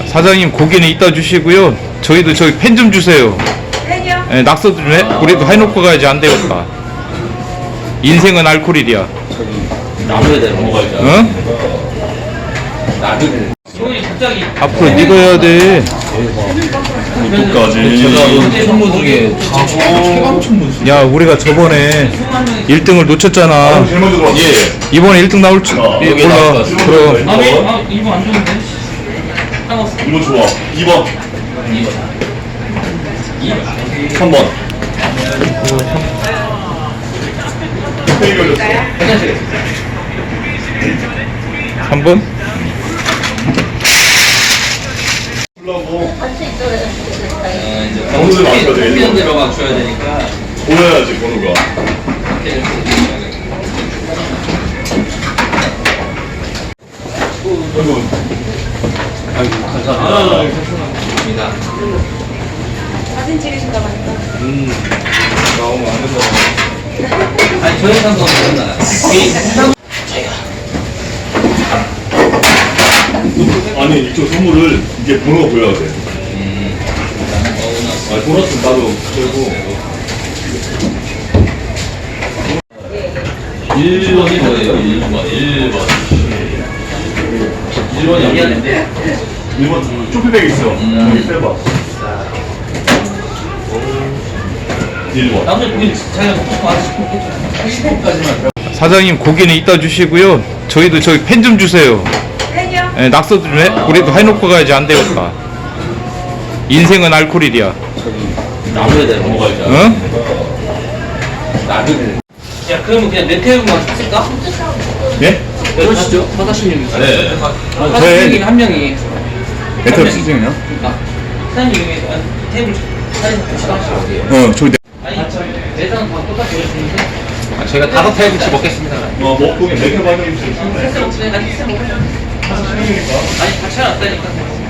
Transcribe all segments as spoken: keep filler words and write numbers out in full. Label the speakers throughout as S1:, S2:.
S1: 사장님 고기는 이따 주시고요. 저희도 저희 펜 좀 주세요.
S2: 펜이요?
S1: 예, 낙서도 좀 해. 우리도 해놓고 가야지. 안 되겠다. 인생은 알코올이야.
S3: 나눠야 돼. 먹어야죠.
S1: 응?
S3: 나눠야 소연이 갑자기
S1: 앞으로 네가 해야 돼.
S3: 이것까지. 제가 선물 중에 최강 천문수.
S1: 야, 우리가 저번에 일 등을 놓쳤잖아.
S3: 예.
S1: 이번에 일 등 나올 줄 몰라.
S3: 여기 나올 것
S1: 그럼
S3: 아, 왜? 아, 이거 안 좋은데? 상관없어.
S4: 이거 좋아. 이 번.
S3: 이 번. 이 번.
S4: 삼 번. 땡이 걸렸어.
S1: 삼 번?
S4: 풀라고
S3: 아, 이제
S4: 번호를 맞춰야 돼.
S3: 일 번 대로 맞춰야 되니까.
S4: 보여야지 번호가. 아이고.
S3: 아이고, 감사합니다. 감사합니다.
S2: 사진 찍으신다고 하니까.
S3: 음. 나오면 안 된다. 아니, 저희 상관없잖아.
S4: 아니 이쪽 선물을 이게 번호가 보여야 돼.
S3: 음.
S4: 아 보너스 나도 들고.
S3: 일 번이 뭐예요? 일 번. 일 번. 일 번이 여기 안에
S4: 일 번 쇼핑백 있어.
S3: 음.
S4: 여기 빼봐. 일 번.
S3: 나머지 고기 자기가 먹고 싶어 하시고 십 번까지만.
S1: 사장님 고기는 이따 주시고요. 저희도 저희 펜 좀 주세요.
S2: 펜이요?
S1: 예, 낙서도 좀 해. 우리도 해놓고 가야지. 안 되겠다. 인생은 알코올이야.
S3: 나눠야 돼. 먹어야죠.
S1: 응?
S3: 나눠야 돼. 야, 그러면 그냥 메테오만 샀을까?
S1: 예?
S3: 그러시죠? 사사십육이. 네.
S1: 저희-
S3: 사사십육이 한 명이.
S1: 메테오 시즌이요?
S3: 사장님이 테이블 사진 같이 하시고.
S1: 어, 저희
S3: 아니, 내장은 다 똑같이 오셨는데. 아, 저희가 다섯 테이블씩 먹겠습니다.
S4: 어 먹고 맥주 받으면 좀 충분해.
S3: 패스 먹지, 아니, 패스 먹어. 아니, 같이 해놨다니까.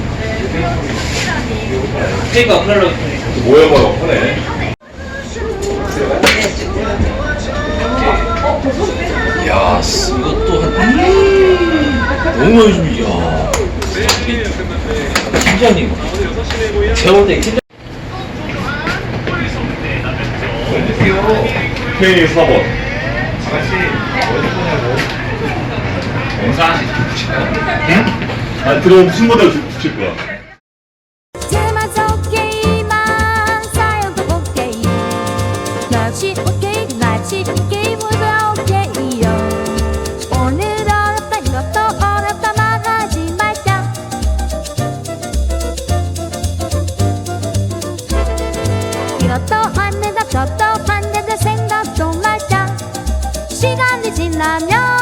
S3: 테이블 어플로.
S4: 모여 모여 편해.
S3: 야, 이것도 한. 너무 많이 줍니다. 야. 팀장님. 재원님, 팀장.
S4: K 사 번. 아 들어오면 신모델 붙일 거야.
S5: 제만 속게임만 쌓여도 오케이 날씨 오케이 날씨 오케이 모두 오케이요 오늘 어렵다 이것도 어렵다 말하지 말자 이것도 안 된다 저것도 안 된다 생각도 말자 시간이 지나면